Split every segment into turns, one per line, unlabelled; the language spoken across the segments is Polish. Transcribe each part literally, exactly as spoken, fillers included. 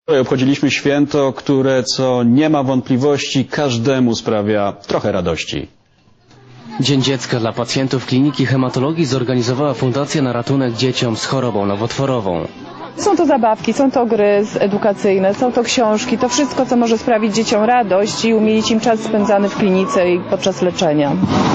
Obchodziliśmy święto, które, co nie ma wątpliwości, każdemu sprawia trochę radości.
Dzień Dziecka dla pacjentów Kliniki Hematologii zorganizowała Fundacja na ratunek dzieciom z chorobą nowotworową.
Są to zabawki, są to gry edukacyjne, są to książki, to wszystko, co może sprawić dzieciom radość i umilić im czas spędzany w klinice i podczas leczenia.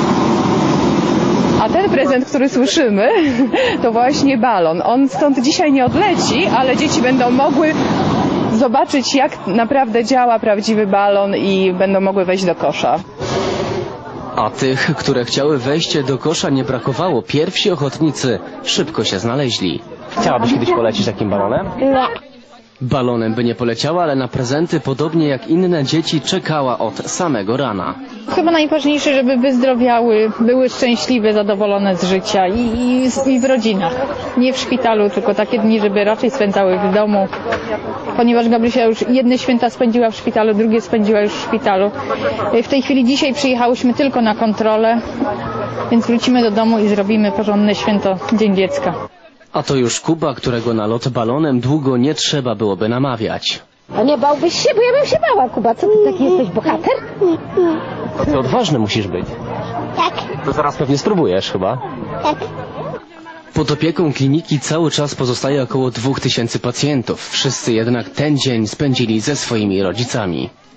A ten prezent, który słyszymy, to właśnie balon. On stąd dzisiaj nie odleci, ale dzieci będą mogły zobaczyć, jak naprawdę działa prawdziwy balon i będą mogły wejść do kosza.
A tych, które chciały wejść do kosza, nie brakowało. Pierwsi ochotnicy szybko się znaleźli. Chciałabyś kiedyś polecieć takim balonem?
Nie.
Balonem by nie poleciała, ale na prezenty, podobnie jak inne dzieci, czekała od samego rana.
Chyba najważniejsze, żeby wyzdrowiały, były szczęśliwe, zadowolone z życia i, i, i w rodzinach. Nie w szpitalu, tylko takie dni, żeby raczej spędzały w domu. Ponieważ Gabrysia już jedne święta spędziła w szpitalu, drugie spędziła już w szpitalu. W tej chwili dzisiaj przyjechałyśmy tylko na kontrolę, więc wrócimy do domu i zrobimy porządne święto Dzień Dziecka.
A to już Kuba, którego na lot balonem długo nie trzeba byłoby namawiać.
A nie bałbyś się? Bo ja bym się bała, Kuba. Co ty taki jesteś, bohater?
To ty odważny musisz być.
Tak.
To zaraz pewnie spróbujesz chyba.
Tak.
Pod opieką kliniki cały czas pozostaje około dwóch tysięcy pacjentów. Wszyscy jednak ten dzień spędzili ze swoimi rodzicami.